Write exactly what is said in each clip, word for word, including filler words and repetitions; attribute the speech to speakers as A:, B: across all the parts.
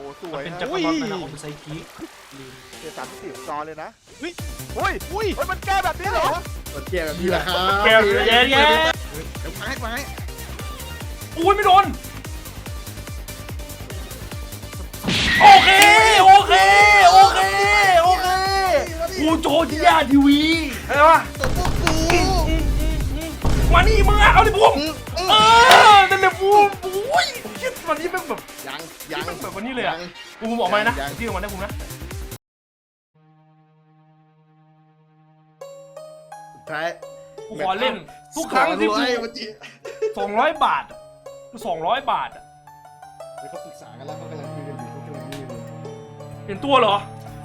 A: สวย
B: เป็นจักรวาลนะผมไซกิ
A: เจ็ดสามสิบจอเลยนะ
C: เฮ้ย
A: อุ้ยอุ้ยมันแก้แบบนี้เหรอ
D: กดเกียร์แบบนี้แหละครับ
B: แก้วเยอะแยะเดี๋
D: ยวไม้ไม้
B: อุ้ยไม่โดนโอเคโอเคโอเคโอเคกูโจจิยาทีวีอะไรวะ
D: ตัวพวกกู
B: มานี่มึงอะเอาดิบุ้มเออนั่นแหละบุ้มอุ้ยคิดวันนี้เป็นแบบ
D: ยังยัง
B: แบบวันนี้เลยอะกูบุ้มออกมานะที่ออกมาได้บุ้มนะ
D: ท้าย
B: กูขอเล่นทุกครั้งที่กู
D: เมื่อกี้
B: สองร้อยบาทสองร้อยบาทอะ
D: เขาปรึกษากันแล้วเขากำลังคุยกันอยู่เขากำลังนี่อยู่
B: เปลี่ยนตัวเหรอ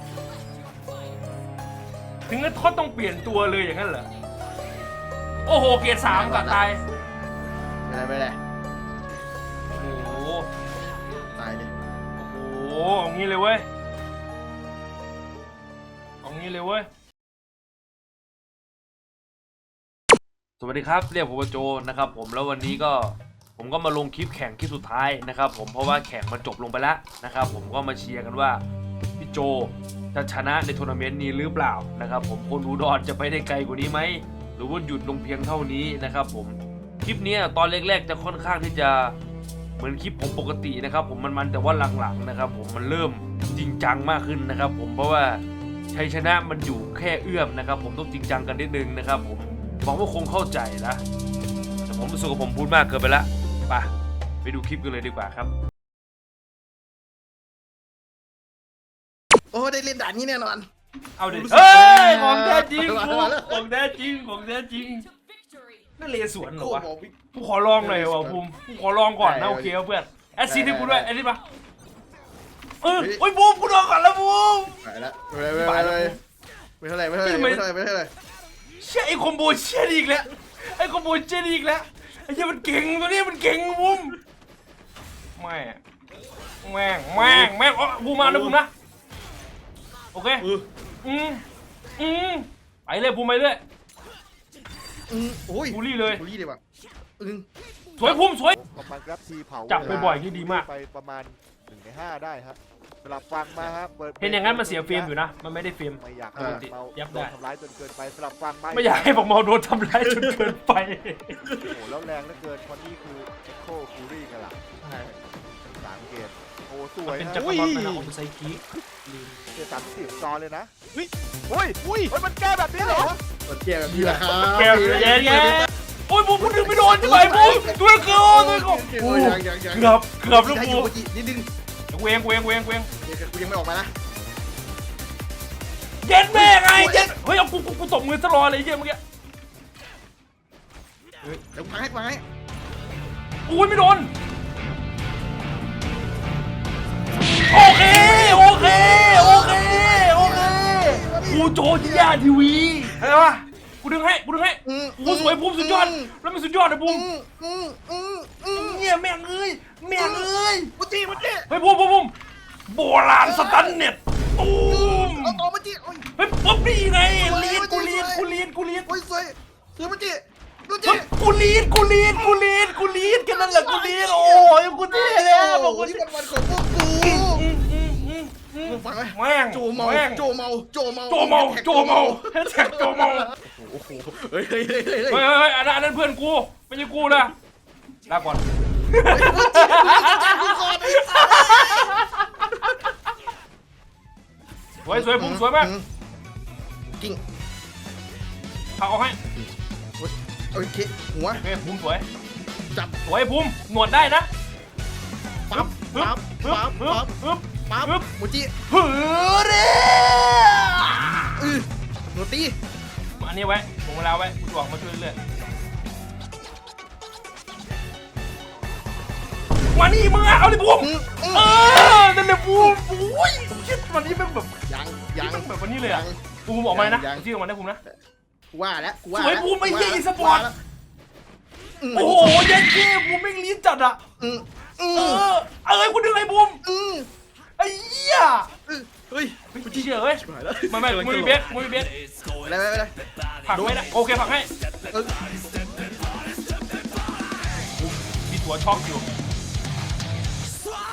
B: ถึงกับเขาต้องเปลี่ยนตัวเลยอย่างนั้นเหรอโอ้โหเกียร์สามกัดตาย
D: ไม่ได้ไม่ได้
B: โอ้โห
D: ตายดิ
B: โอ้โหเอางี้เลยเว้ยเอางี้เลยเว้ยสวัสดีครับเรียกผมว่าโจนะครับผมแล้ววันนี้ก็ผมก็มาลงคลิปแข่งคลิปสุดท้ายนะครับผมเพราะว่าแข่งมันจบลงไปแล้วนะครับผมก็มาเชียร์กันว่าพี่โจจะชนะในทัวร์นาเมนต์นี้หรือเปล่านะครับผมคนอุดรจะไปได้ไกลกว่านี้ไหมหรือว่าหยุดลงเพียงเท่านี้นะครับผมคลิปนี้ตอนแรกๆจะค่อนข้างที่จะเหมือนคลิปผมปกตินะครับผมมันๆแต่ว่าหลังๆนะครับผมมันเริ่มจริงจังมากขึ้นนะครับผมเพราะว่าชัยชนะมันอยู่แค่เอื้อมนะครับผมต้องจริงจังกันนิดนึงนะครับผมหวังว่าคงเข้าใจนะแต่ผมรู้สึกว่าผมพูดมากเกินไปละไปไปดูคลิปกันเลยดีกว่าครับ
D: โอ้ได้เล่นด่านนี้แน่นอน
B: เอาดิเฮ้ยของแท้จริงของแท้จริงของแท้จริงนั่นเลสวนเหรอวะกูขอลองหน่อยวะภูมิกูขอลองก่อนนะโอเคเพื่อนแอดซีให้กูด้วยแอดซีปะเออโอ้ยภูมิกูลองก่อนแล้วภูมิ
D: ไปแล้วไปเลยไม่เท่าไรไม่เท่าไรไม่เท่าไรไม่เท่าไร
B: เชี่ยไอ้คอมโบเชี่ยอีกแล้วไอ้คอมโบเชี่ยอีกแล้วไอ้เชี่ยมันเก่งตัวนี้มันเก่งภูมิแม่แม่งแม่งแม่งอ๋อภูมิมานะภูมินะโอเคอืมอืมไปเลยภูมิไปเลย
D: อืมโอ้ย
B: บูลลี่เลย
D: บูลลี่เลยว่ะอืม
B: สวยภูมิสวย
A: ประมาณครับทีเผา
B: จับบ่อยๆนี่ดีมาก
A: ไปประมาณหนึ่งในห้าได้ครับสลับฟังมาครับเปิด
B: เห็นอย่างนั้นมันเสียเฟรมอยู่นะมันไม่ได้เฟรม
A: ไม่อยากให้เมา
B: ยับ
A: โด
B: ได้
A: นทำร้ายจนเกินไปสลับฟังมา
B: ไม่อยากให้บอกเมาโดนทำร้ายจนเกินไป
A: โอ้โหแล้วแรงเหลือเกินเพราะนี่คือเอ็กโคฟูรี่กันล่ะสามเกมโอ้สวย
B: เป็น
A: นะ
B: จักรวาลนะผมไซกิ
A: เจ็ดสามสิบจอเลยนะ
C: เฮ้ย
A: อุ้ยอุ้ยมันแก้แบบนี้เหรอก
D: ดเกียร์แบบนี้แหละครับ
B: แก้วเยอะแยะแยะโอ้ยผมพูดถึงไม่โดนใช่ไหมผมตัวเกือบตัวเกือบ
D: ยังยังยัง
B: เกือบเกือบลูก
D: ได้อ
B: กู
D: ยู่เมื่อกี้นิดนึง
B: เวงเวงเวงเวง
D: กูยังไม่ออกมานะ
B: เย็นแม่ไงเย็นเฮ้ยเอากูกูกูตบมือตลอดเลยเยี่ยเมื่อกี้
D: เดี๋ยวไม้ไม้
B: อุ้ยไม่โดนโอเคโอเคโอเคโอเคกูโจจิยาทีวีอะไรวะกูดึงให้กูดึงให้กูสวยภูมิสุดยอดแล้วมันสุดยอดเลยภูมิ
D: อืมอืมอืม
B: เนี่ยแม่งเอ้ยแม่งเอ้ย
D: มุจิมุจิ
B: เฮ้ยภูมิภูมิภูมิโบราณสตันเน็ตตูม
D: เอาต่อมุจิโอ้ย
B: เฮ้ยปุ๊บนี่ไงเลียนกูเลียนกูเลียนกูเลียน
D: โอ้ยสวยสวยมุจิมุจิ
B: เฮ้ยกูเลียนกูเลียนกูเลียนกูเลียนแค่นั้นแหละกูเลียนโอ้ยกูเท่เลยบอกกู
D: นี่มันวันของพวกกูฟังไหม
B: แม่ง
D: โจเมา
B: แม่ง
D: โจเมาโจเมา
B: โจเมาโจเมาแฮชแท็กโจเมา
D: โอ้โหเฮ้ยเฮ้ยเฮ้ยเฮ้ย
B: เฮ้ยเฮ้ยอันนั้นอันนั้นเพื่อนกูไม่ใช่กูนะลาก่อนสวยสวยผมสวยมาก
D: กิ้ง
B: เอาเอาให้
D: โอเคหัว
B: โอเคภูมิสวย
D: จับ
B: สวยภูมิหนวดได้นะ
D: ปั๊บ
B: ปึ๊บ
D: ปั๊บ
B: ปึ๊บ
D: ปั๊บ
B: ปึ๊บ
D: ปั๊บ
B: ปึ๊บ
D: ปั๊บมุจิ
B: หือเด้
D: อือหนูตี
B: อันนี้ไว้ผมเวลาไว้กูจะออกมาช่วยเรื่อยมานี่มึงอะเอาดิภูมิเออนั่นแหละภูมิอุ้ยคิดวันนี้เป็นแบบ
D: ยังยัง
B: แบบวันนี้เลยอะภูมิออกมานะที่ออกมาได้ภูมินะ
D: กูว่าแล้วกูว่า
B: สวยภูมิไม่เยี่ยอีสปอร์ตโอ้โหเย็นเก้ภูมิไม่งลิ้นจัดอะ
D: อืมอื
B: เอ
D: ม
B: อเอ้ยกูดึงไอ้ภูมิ
D: อืม
B: ไอ้เหี้ย
D: เฮ้ย
B: กูเฉยเฮ้ยไม่ไม่มึงมีเบสมึงมีเบส
D: อะไรอะไรอะไร
B: ผักไม่ได้โอเคผักให้
D: เออ
B: มีตัวช็อกอยู่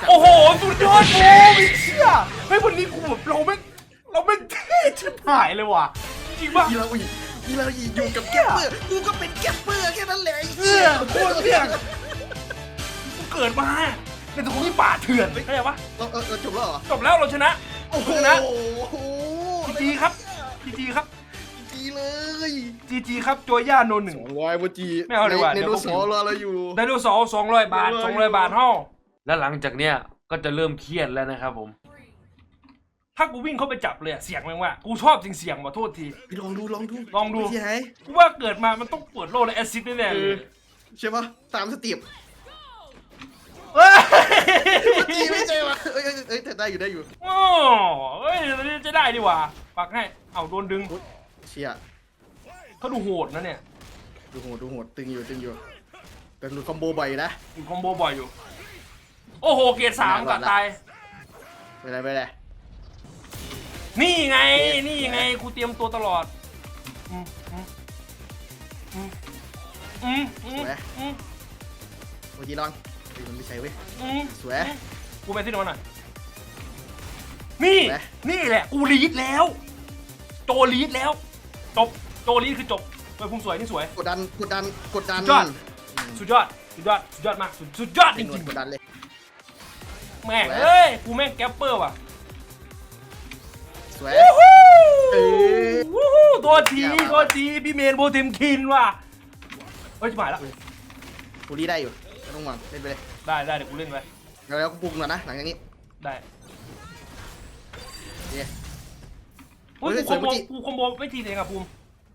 B: โอ้โหสุดยอดโอ้ไม่เชื่อเฮ้ยวันนี้กูแบบเราไม่เราไม่เท่ชิบหายเลยว่ะจริงป่ะ
D: อีเราอีอีเราอีอยู่กับแก๊ปเปอร์กูก็เป็นแก๊ปเปอร์แค่นั้นแหละ
B: เออโคตรเที่ยงกูเกิดมาในตรงนี้ป่าเถื่อนเข้าใจปะ
D: เราเออจบแล้วเหรอ
B: จบแล้วเราชนะ
D: โอ้โห
B: ชนะจีจีครับจีจีครับ
D: จีเลย
B: จีจีครับโจย่าโนหนึ่ง
D: สองร้อยโมจี
B: ไม่เอาดีกว่า
D: ใน
B: เดี๋ยว
D: โน
B: พวก
D: สอรอเราอยู่
B: ไดโนเสาร์สองร้อยบาทสองร้อยบาทเท่าแล้วหลังจากเนี้ยก็จะเริ่มเครียดแล้วนะครับผมถ้ากูวิ่งเข้าไปจับเลยอะเสียงมันว่ากูชอบจริงเสียงว่ะโทษที
D: ไปลองดูลองดู
B: ลองดู
D: ที่ไหน
B: กูว่าเกิดมามันต้องเปิดโลกและแอซิดแน่ๆเลย
D: ใช่ปะตามสเตียบ
B: เฮ้ย
D: จีไม่ใช่ปะเอ้ยเอ้ยเอ้ยแต่ได้อยู่ได้อยู่
B: โอ้เฮ้ยตอนนี้จะได้ดีกว่าปักให้เอาโดนดึง
D: เชีย
B: เขาดูโหดนะเนี่ย
D: ดูโหดดูโหดตึงอยู่ตึงอยู่แต่ดูคอมโบบ่อยนะ
B: อยู่คอมโบบ่อยอยู่ โอ้โหเกียร์สามกัดตาย
D: ไปเลยไปเลย
B: นี่ไงนี่ไงกูเตรียมตัวตลอดอืมอืมอืมอืมอืมอืม
D: โมจีลองเฮ้ยมันไม่ใช่เว้ย
B: อืม
D: สวย
B: กูไปที่โน้นหน่อยนี่
D: ไหน
B: นี่แหละกูลีดแล้ว โจลีดแล้วจบโจลีดคือจบเฮ้ยพุ่มสวยนี่สวย
D: กดดันกดดันกดดัน
B: สุดยอด สุดยอดสุดยอดสุดยอดมากสุดสุดยอดจ
D: จริง
B: ริง
D: กดดันเลย
B: ๆแม่งเอ้ยกูแม่งแกปเปอร์ว่ะ
D: สวย
B: วู้ฮู้
D: เอ้ย
B: วู้ฮู้ตัวที
D: เยี่ยม
B: ตัวทีพี่เมนโบเทมคินว่ะเฮ้ยจะหมายแล้ว
D: กูรีได้อยู่ไม่ต้องหวังเล่นไปเลย
B: ได้ได้เดี๋ยวกูเล่นไป
D: แล้วแล้วกูปรุงก่อนนะหลังจากนี้
B: ได้
D: โอเค
B: อุ้ย
D: เฮ้ย
B: กูคอมโบ
D: สวยเมื่อกี้
B: กูคอมโบไม่ทีเองอะภูมิ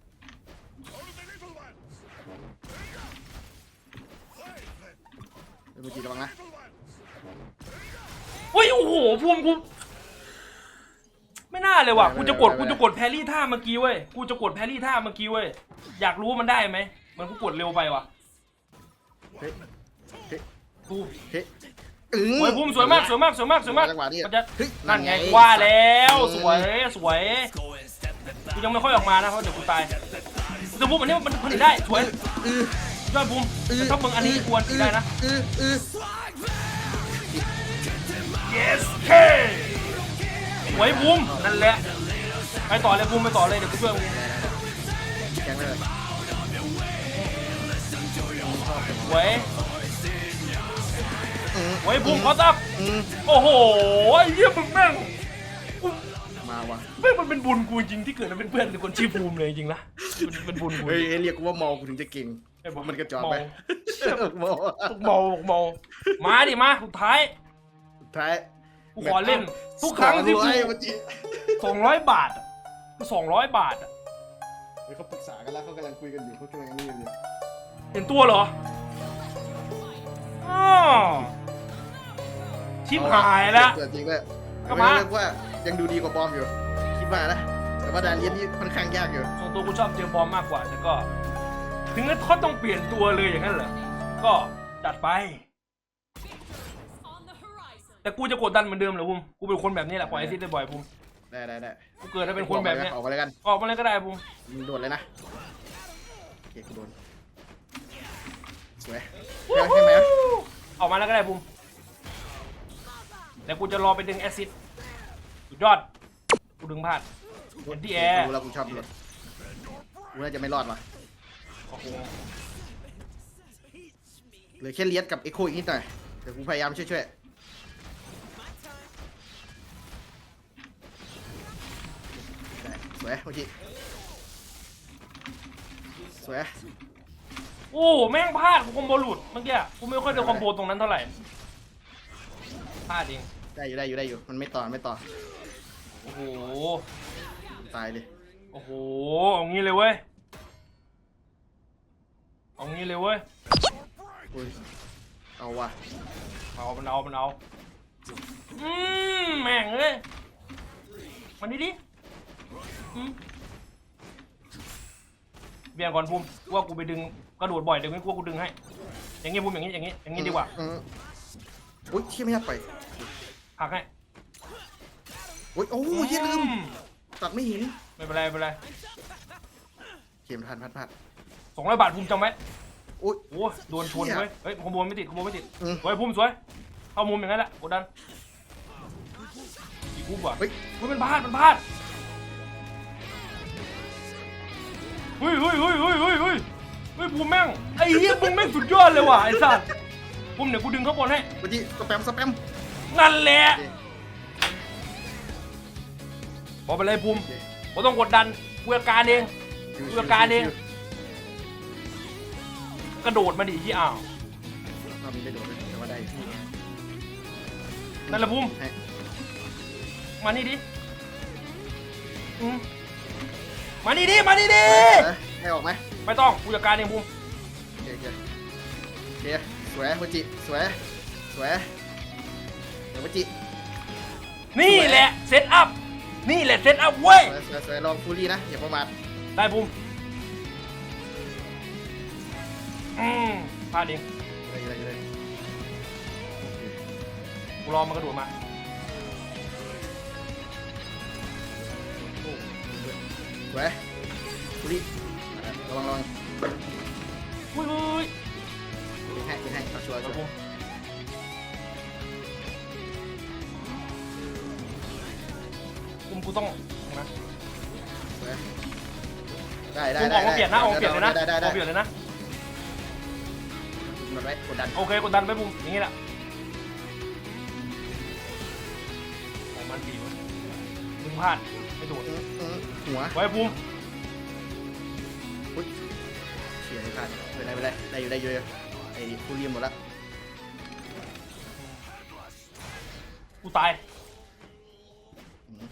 D: โมจีระวังนะ
B: เฮ้ยโอ้โหภูมิกูไม่น่าเลยว่ะกูจะกดกูจะกดแพรรี่ท่าเมื่อกี้เว้ยกูจะกดแพรรี่ท่าเมื่อกี้เว้ยอยากรู้ว่ามันได้ไหมมันกูกดเร็วไปว่ะ
D: เฮ้ยเฮ้ย
B: กู
D: เฮ้ยอืม
B: โอ้ยภูมิสวยมากสวยมากสวยมากสวยมาก
D: จังหวะนี้
B: มันจะ
D: เฮ้ย
B: นั่นไง
D: นั่นไง
B: ว่าแล้ว
D: อืม
B: สวยสวยกูยังไม่ค่อยออกมานะเพราะเดี๋ยวกูตายแต่ภูมิอันนี้มันผลิตได้สวย
D: อือย
B: อดภูมิแต่ถ้ามึงอันนี้ควรได้นะ
D: อืออือ
B: yes เคสวยภูมินั่นแหละไปต่อเลยภูมิไปต่อเลยเดี๋ยวกูช่วยมึง
D: แกงเลย
B: สวย
D: อืม
B: สวยภูมิขอตับ
D: อืม
B: โอ้โหไอ้เหี้ยมึงแม่งกู
D: มาว่ะ
B: แม่งมันเป็นบุญกูจริงที่เกิดมาเป็นเพื่อนกับคนชื่อภูมิเลยจริงนะมันเป็นบุญกู
D: เฮ้ยเรียกกูว่าเมากูถึงจะเก่ง
B: ไอ้บอก
D: มันกระจอก
B: เมา
D: ไปเมา
B: เมาเมามาดิมาสุดท้าย
D: สุดท้าย
B: กูขอเล่นทุกครั้งที่กู
D: สองร้อยเมื่อกี้
B: สองร้อยบาทสองร้อยบาทอะ
D: เฮ้ยเขาปรึกษากันแล้วเขากำลังคุยกันอยู่เขากำลังนี่อยู่
B: เห็นตัวเหรออ้าวชิบหายแล้ว
D: เกิดจริงด้วย
B: ก็มา
D: เรียกว่ายังดูดีกว่าบอมอยู่คิดว่านะแต่ว่าดานเลียนนี่ค่อนข้างยากอยู่
B: ส่วนตัวกูชอบเจมบอมมากกว่าแต่ก็ ถึงนั้นเขาต้องเปลี่ยนตัวเลยอย่างนั้นเหรอก็จัดไป แต่กูจะกดดันเหมือนเดิมเหรอภูมิกูเป็นคนแบบนี้แหละปล่อยไอซิดได้บ่อยภูมิ
D: ได้ได้ได้
B: กูเกิดมาเป็นคนแบบเนี้ย
D: ออกไปเลยกัน
B: ออกมาเลยก็ได้ภูมิ
D: มึงโดนเลยนะโอเคกูโดนสวย
B: วู้
D: ใช่
B: ฮู้
D: ไหม
B: ออกมาแล้วก็ได้ภูมิแล้วกูจะรอไปดึงแอซิดสุดยอดกูดึงพลาดเห็นที่แอร์
D: กูแล้วกูชอบเลยกูน่าจะไม่รอดว่ะ
B: โอ้โห
D: เหลือแค่เลียสกับเอ็กโคอีกนิดหน่อยแต่กูพยายามช่วยช่วยได้สวยเมื่อกี้สวย
B: โอ้แม่งพลาดกูคอมโบหลุดเมื่อกี้กูไม่ค่อยได้คอมโบตรงนั้นเท่าไหร่พลาดเอง
D: ได้อยู่ได้อยู่ได้อยู่มันไม่ต่อไม่ต่อ
B: โอ้โห
D: ตายเลย
B: โอ้โหเอางี้เลยเว้ยเอางี้เลยเว้ย
D: อุ้ยเอาว่ะ
B: เอามันเอามันเอาอืมแม่งเลยมันดิดิอืมเบี่ยงก่อนภูมิกูว่ากูไปดึงกระโดดบ่อยเดี๋ยวนี้กูว่ากูดึงให้อย่างงี้ภูมิอย่างงี้อย่างงี้อย่างงี้ดีกว่า
D: อืมอุ้ยเชี่ยไม่อยากไป
B: หักให้
D: อุ้ยโอ้ยเหี้ยลืม
B: อื
D: ตัดไม่เห็น
B: ไม่เป็นไรไม่เป็นไร
D: เข็มพันพัดพัด
B: สองร้อยบาทภูมิจำไว้
D: อุ้ย
B: โอ้โดนชนเว้ยเฮ้ยขโมยไม่ติดขโมยไม่ติด
D: อืม
B: สวยภูมิสวยเข้ามุมอย่างนั้นแหละกดดันอีกกูว่ะ
D: เฮ้ย
B: เฮ้ยมันพลาดมันพลาดเฮ้ยเฮ้ยเฮ้ยเฮ้ยเฮ้ยเฮ้ยเฮ้ยภูมิแม่งไอ้เหี้ยมึงแม่งสุดยอดเลยว่ะไอ้สัตว์ภูมิเดี๋ยวกูดึงข้างบนให้
D: เมื่อกี้สแปมสแปม
B: นั่นแหละ
D: โอเค
B: บอกไปเลยภูมิผมต้องกดดันกูจัดการเอง
D: ชิว
B: กู
D: ๆ
B: จัดการเอง
D: ชิว
B: กระโดดมาดิที่อ้าว
D: ๆรอบนี้ไม่โดนเลยแต่ว่าได้อยู่
B: นั่นแหละภูมิ
D: ให้
B: มานี่ดิอืมมานี่ดิมานี่ดิ
D: ให้ออกไหม
B: ไม่ต้องกูจัดการเองภูมิ
D: โอเคโอเคโอเคสวยโมจิสวยสวยเดี๋ยวโมจิ
B: นี่แหละเซตอัพนี่แหละเซตอัพเว้ย
D: สวยสวยสวยลองฟูรี่นะอย่าประมาท
B: ได้ภูมิอืมพลาดเอง
D: เลยเลยเลย
B: กูรอมันกระโดดมา
D: สวยฟูรี่ระวังระวัง
B: อุ้ยอุ้ย
D: ดึงให้ดึงให้เอาชัวร์
B: เดี๋
D: ชั
B: ยว
D: ว
B: ภู
D: ร์
B: มิภูมิกูต้องนะ
D: สวยได้ได้
B: ภูมิอ
D: ได้
B: อกมาเปลี่ยนนะออกมาเปลี่ยนเลยนะ
D: ได้ได้
B: อ
D: ได้
B: อกมาเปลี่ยนเลยนะ
D: หมดไว้กดดัน
B: โอเคกดดันไปภูมิอย่างงี้แหละของมันดีวะมึงพลาดไม่โดด
D: อื้ออื้อหัว
B: ไว้ภูมิ
D: เฉียดไม่พลาดไม่เป็นไรไม่เป็นไรได้อยู่ได้อยู่ไอ้ฟูรี่หมดละ
B: กูตาย
D: อืม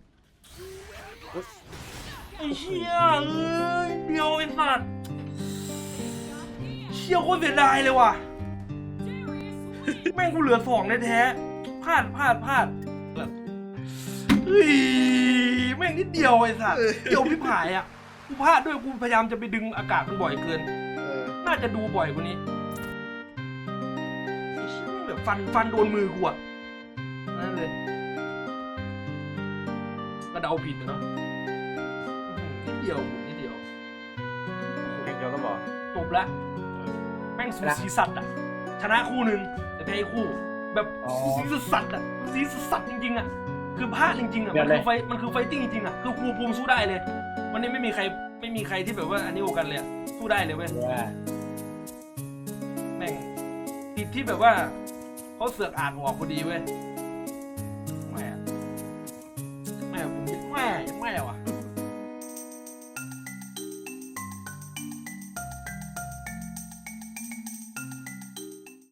B: ไอ้เชี่ยเอ้ยเดียวไอ้สัตว์เชี่ยโคตรเสียดายเลยว่ะ แม่งกูเหลือสองแท้ๆพลาดพลาดพลาดเฮ้ยแม่งนิดเดียวไอ้สัตว์เดียวพี่ผายอ่ะกูพลาดด้วยกูพยายามจะไปดึงอากาศมันบ่อยเกิน
D: เออ
B: น่าจะดูบ่อยกว่านี้ไอ้เชี่ยแม่งแบบฟันฟันโดนมือกูอ่ะนั่นเลยก็เดาผิดอะเนาะอื้อหือนิดเดียวนิดเดียว
A: เก่งเดียวก็บอก
B: จบแล้วแม่งสูสีสัตว์อ่ะชนะคู่หนึ่งแต่แพ้อีกคู่ แบบสูสีสัตว์อ่ะสูสีสัตว์จริงๆอ่ะคือพลาดจริงๆอ่ะมันคือไฟมันคือไฟติ้งจริงๆอ่ะคือครูภูมิสู้ได้เลย วันนี้ไม่มีใครไม่มีใครที่แบบว่าอันนี้โอกันเลยอะสู้ได้เลยเว้ยแม่งติดที่แบบว่าเขาเสือกอ่านออกพอดีเว้ย